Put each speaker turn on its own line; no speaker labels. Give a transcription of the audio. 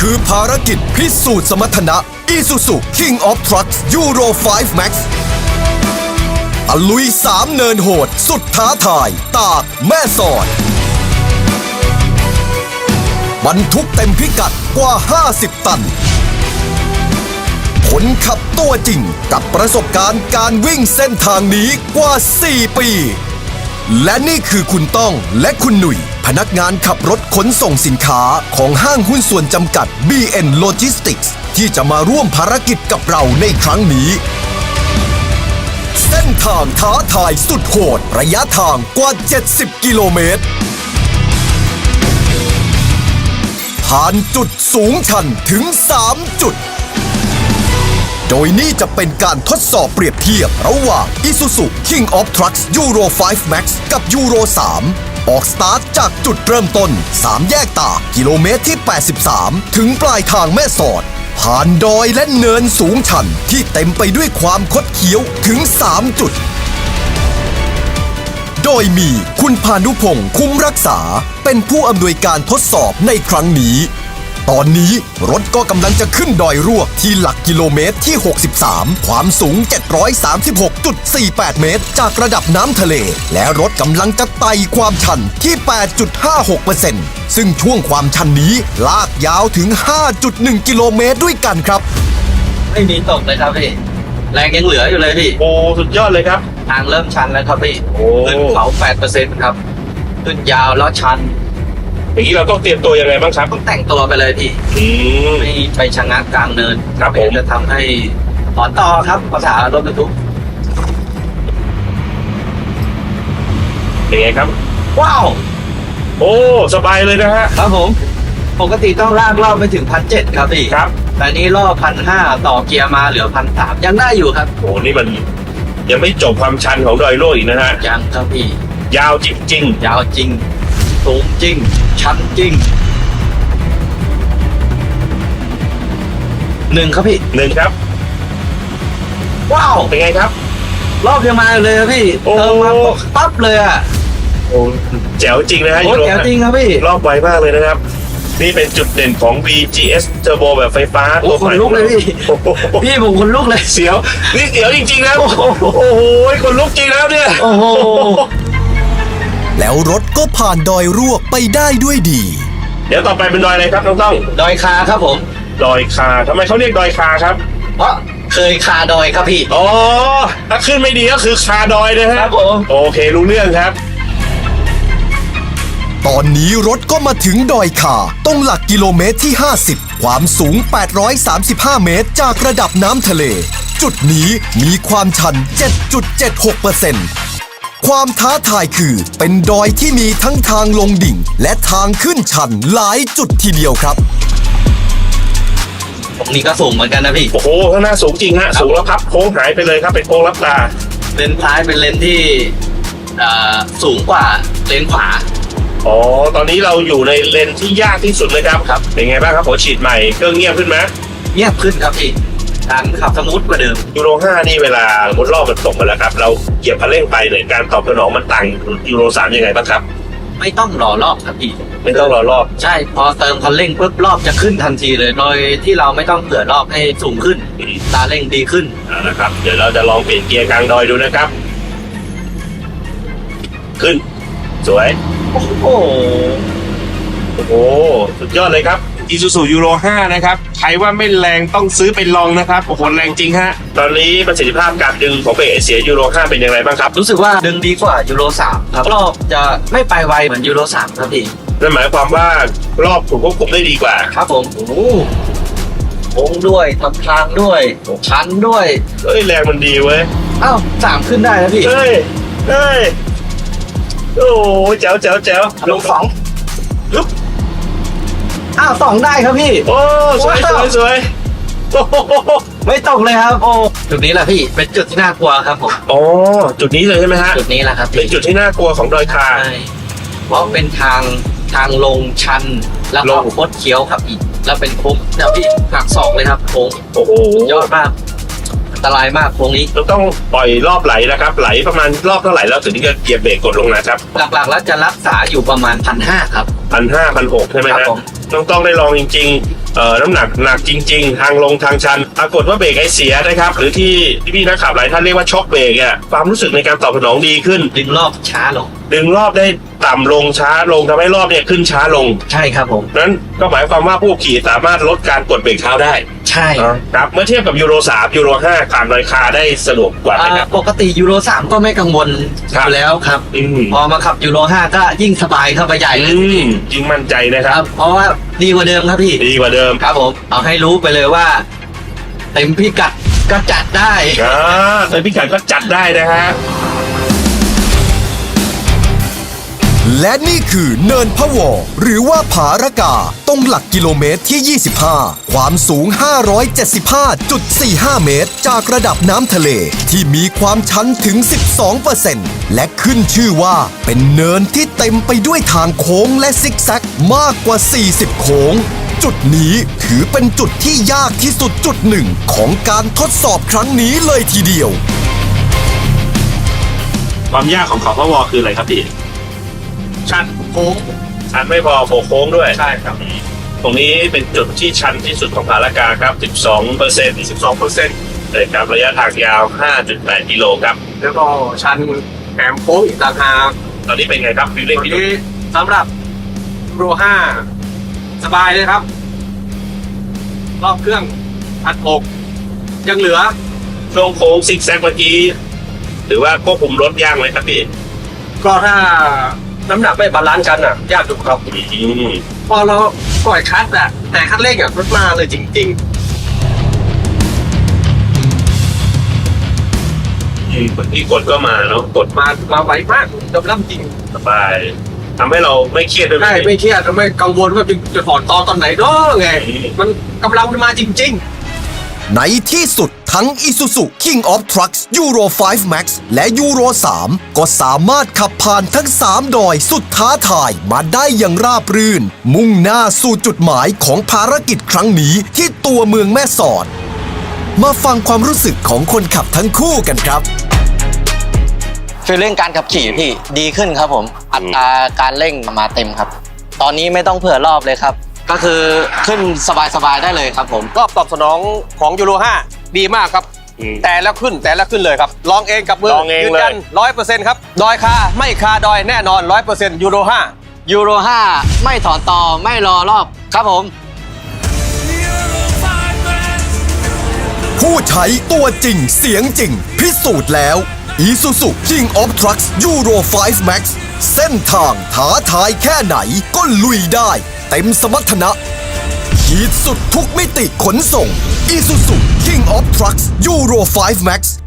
คือภารกิจพิสูจน์สมรรถนะ Isuzu King of Trucks Euro 5 Max ตะลุย3เนินโหดสุดท้าทายตากแม่สอดบรรทุกเต็มพิกัดกว่า 50 ตันคนขับตัวจริงกับประสบการณ์การวิ่งเส้นทางนี้กว่า 4 ปี และนี่คือคุณต้องและคุณหนุ่ยพนักงานขับรถขนส่งสินค้าของห้างหุ้นส่วนจำกัด BN Logistics ที่จะมาร่วมภารกิจกับเราในครั้งนี้ เส้นทางท้าทายสุดโหดระยะทางกว่า 70 กิโลเมตร ผ่านจุดสูงชันถึง 3 จุด โดยนี่จะเป็นการทดสอบเปรียบเทียบระหว่าง Isuzu King of Trucks Euro 5 Max กับ Euro 3 ออกสตาร์ทจากจุดเริ่มต้น 3 แยกตากกิโลเมตรที่ 83 ถึงปลายทางแม่สอด ผ่านดอยและเนินสูงชันที่เต็มไปด้วยความคดเคี้ยวถึง 3 จุด โดยมีคุณพานุพงศ์คุ้มรักษาเป็นผู้อำนวยการทดสอบในครั้งนี้ ตอนนี้รถก็กำลังจะขึ้นดอยรวกที่หลักกิโลเมตรที่ 63 ความสูง 736.48 เมตรจากระดับน้ำทะเล และรถกำลังจะไต่ความชันที่ 8.56% ซึ่งช่วงความชันนี้ลากยาวถึง 5.1 กิโลเมตรด้วยกันครับ
ไม่มีตกเลยครับพี่แรงยังเหลืออยู่เลยพี่
โอ้สุดยอดเลยครับ
ทางเริ่มชันแล้วครับพี่
โอ้
ขึ้นเขา 8% ครับขึ้นยาวแล้วชัน
อย่างนี้เราต้องเตรียมตัวยังไงบ้างครับ
ต้องแต่งตัวไปเลยพี่
ม
ไม่ไปชะงักกลางเนิน
ครับผม
จะทำให้ถอนต่อครับภาษารถบรรทุก
เป็นไงครับ
ว้าว
โอ้สบายเลยนะฮะ
ครับผมปกติต้องลากรอบไปถึง 1,700 ครับพี่
ครับ
แต่นี้รอบ 1,500 ต่อเกียร์มาเหลือ 1,300 ยังได้อยู่ครับ
โอ้นี่มันยังไม่จบความชันของดอยโลกอีกนะฮะ
ยังครับพี่
ยาวจริง
ยาวจริงสูงจริง ชันจริง1ครับพี่
ๆหนึ่งครับ
ว้าว
เป็นไงครับ
รอบยังมาอยู่เลยครับพี่
โอ้
เติมมาปั๊บเลยอ่ะ
โอ้แจ๋วจริงนะฮะ
โอ้
ยูโร
แจ๋วจริงครับพี่
รอบไวมากเลยนะครับ นี่เป็นจุดเด่นของ VGS Turbo แบบไฟฟ้า
โอ้
ตัวใหม่
ขนลุกเลยพี่
โอ้โห
พี่ผมคนลุกเลย
เสียวนี่เสียวจริงๆนะ
โอ้โห
โอ้โหคนลุกจริงแล้วเนี่ย
โอ้โห
แล้วรถก็ผ่านดอยรวกไปได้ด้วยดี
เดี๋ยวต่อไปเป็นดอยอะไรครับน้องต้อง
ดอยคาครับผม
ดอยคาทำไมเขาเรียกดอยคาครับ
เพราะเคยคาดอยครับพี่
อ๋อ ถ้าขึ้นไม่ดีก็คือคาดอยนะฮะ
ครับผม
โอเครู้เรื่องครับ
ตอนนี้รถก็มาถึงดอยคาตรงหลักกิโลเมตรที่ 50 ความสูง 835 เมตรจากระดับน้ำทะเล จุดนี้มีความชัน 7.76%ความท้าทายคือเป็นดอยที่มีทั้งทางลงดิ่ง และทางขึ้นชันหลายจุดทีเดียวครับ
ตรงนี้ก็สูงเหมือนกันนะพี่
โอ้โห ข้างหน้าสูงจริงฮะ สูงแล้วครับ โค้งหายไปเลยครับ เป็นโค้งลับตา
เลนซ้ายเป็นเลนที่สูงกว่าเลนขวา
อ๋อ ตอนนี้เราอยู่ในเลนที่ยากที่สุดเลยครับ
ครับ
เป็นไงบ้างครับหัวฉีดใหม่เครื่องเงียบขึ้นไหม
เงียบขึ้นครับพี่การขับสมูทกว่าเดิม
ยูโร 5 นี่เวลาบนรอบมันตกมาแล้วครับ เราเหยียบคันเร่งไปเนี่ยการตอบสนองมันต่างยูโร 3 ยังไงบ้างครับ
ไม่ต้องรอรอบครับพี่
ไม่ต้องรอรอบ
ใช่พอเติมคันเร่งปุ๊บรอบจะขึ้นทันทีเลย โดยที่เราไม่ต้องเผื่อรอบให้สูงขึ้นตาเร่งดีขึ้น
นะครับ เดี๋ยวเราจะลองเปลี่ยนเกียร์กลางดอยดูนะครับ ขึ้น สวย
โอ้โห
โอ้โห สุดยอดเลยครับ Isuzu Euro 5 นะครับ ใครว่าไม่แรงต้องซื้อไปลองนะครับ โอ้โห แรงจริงฮะ ตอนนี้ประสิทธิภาพการดึงของเบรกเสีย Euro 5 เป็นอย่างไรบ้างครับ
รู้สึกว่าดึงดีกว่ายูโร3ครับรอบจะไม่ไปไวเหมือนยูโร3ครับพี่
นั่นหมายความว่ารอบถูกควบคุมได้ดีกว่า
ครับผมโอ้โหโค้งด้วยทำทางด้วยชันด้วย
เฮ้ย แรงมันดีเว้ย
อ้าว3ขึ้นได้นะพี่
เฮ้ย เฮ้ย โอ้โหแจ๋วแจ๋วแจ๋ว
ลง2
ลุก
อ้าว2ได้ครับพี่
โอ้ สวยสวยสวยโอ้โห
ไม่ตกเลยครับโอ้จุดนี้แหละพี่เป็นจุดที่น่ากลัวครับผม
อ๋อ จุดนี้เลยใช่ไหมฮะ
จุดนี้แหละครับ
เป็นจุดที่น่ากลัวของดอยคา
ใช่เพราะเป็นทางลงชันแล้วก็
ลง
โคตรเคี้ยวครับอีกแล้วเป็นโค้งเดี๋ยวพี่หักศอกเลยครับโค้ง
โอ้โห
ยอดมากอันตรายมากโค้งนี้
เราต้องปล่อยรอบไหลนะครับ ไหลประมาณรอบเท่าไหร่แล้วถึงจะเหยียบเบรกกดลงนะครับ
หลักๆแล้วจะรักษาอยู่ประมาณ 1,500 ครับ
1,500 1,600ใช่ไหม
ครับ
ฮะ
ผม
ต้องได้ลองจริงๆน้ำหนักหนักจริง ๆ ทางลงทางชันปรากฏว่าเบรกไอเสียนะครับ หรือที่พี่นักขับหลายท่านเรียกว่าช็อคเบรกอ่ะความรู้สึกในการตอบสนองดีขึ้น
ดึงรอบช้าลง
ดึงรอบได้ต่ำลงช้าลงทำให้รอบเนี่ยขึ้นช้าลง
ใช่ครับผม
นั้นก็หมายความว่าผู้ขี่สามารถลดการกดเบรกเท้าได้
ใช่
ครับเมื่อเทียบกับยูโร3ยูโร5การลอยคาได้สะดวกกว่าไหมครับ
ปกติยูโร3ก็ไม่กังวลอยู่แล้วครับ พอมาขับยูโร5ก็ยิ่งสบายเข้าไปใหญ่เลย
ยิ่งมั่นใจนะค
ค
รั
รับ บ เพราะว่าดีกว่าเดิมครับพี่
ดีกว่าเดิม
ครับผมเอาให้รู้ไปเลยว่า เต็มพิกัดก็จัดได้
ในพิกัดก็จัดได้นะฮะ
และนี่คือเนินพะวอหรือว่าผาระกาตรงหลักกิโลเมตรที่ 25 ความสูง 575.45 เมตร จากระดับน้ำทะเลที่มีความชันถึง 12% และขึ้นชื่อว่าเป็นเนินที่เต็มไปด้วยทางโค้งและซิกแซกมากกว่า 40 โค้ง จุดนี้ถือเป็นจุดที่ยากที่สุดจุดหนึ่งของการทดสอบครั้งนี้เลยทีเดียว
ความยากของเขาพะวอคืออะไรครับพี่
ชันโค้ง
ชันไม่พอโค้งด้วย
ใช่ครับ
ตรงนี้เป็นจุดที่ชันที่สุดของผาละกาครับ 12%เลยครับ ระยะทางยาว 5.8 กิโลครับ
แล้วก็ชันแถมโค้งอีกต่างหาก
ตอนนี้เป็นไงครับฟิลลิ่ง
วัน
พี่ดุ
นี้สำหรับโปร5สบายเลยครับ รอบเครื่อง1,600ยังเหลือ
ช่วงโค้งซิกแซกเมื่อกี้หรือว่าควบคุมรถยากไหมครับพี่
ก็ถ้าน้ำหนักไม่บาลานซ์กันอ่ะ ยากอยู่ครับ พอเราปล่อยคลัตช์อ่ะแต่คันเร่งอ่ะรถมาเลยจริง
ที่กดก็มาเนาะกด
ๆ มาไวมากยอมรับจริง
สบายทำให้เราไม่เครียดด้วยไหม
ได้ไม่เครียดไม่กังวลว่าจะถอดตอนไหนเนาะไง มันกำลังมันมาจริง ๆ
ในที่สุดทั้ง Isuzu King of Trucks Euro 5 Max และ Euro 3 ก็สามารถขับผ่านทั้ง 3 ดอยสุดท้าทายมาได้อย่างราบรื่น มุ่งหน้าสู่จุดหมายของภารกิจครั้งนี้ที่ตัวเมืองแม่สอด มาฟังความรู้สึกของคนขับทั้งคู่กันครับ
ฟีลลิ่งการขับขี่พี่ดีขึ้นครับผม อัตราการเร่งมาเต็มครับ ตอนนี้ไม่ต้องเผื่อรอบเลยครับ ก็คือขึ้นสบายๆได้เลยครับผม
รอบตอบสนองของยูโร5ดีมากครับ แต่แล้วขึ้นเลยครับ ลองเองกับมือ
ลองเอง
ยืน
เลย
ยัน 100% ครับ ดอยคาไม่คาดอยแน่นอน 100% ยูโร5
ยูโร5ไม่ถอนต่อไม่รอรอบครับผม
ผู้ใช้ตัวจริงเสียงจริง พิสูจน์แล้ว Isuzu King of Trucks Euro 5 Max เส้นทางท้าทายแค่ไหนก็ลุยได้เต็มสมรรถนะขีดสุดทุกมิติขนส่ง Isuzu King of Trucks Euro 5 Max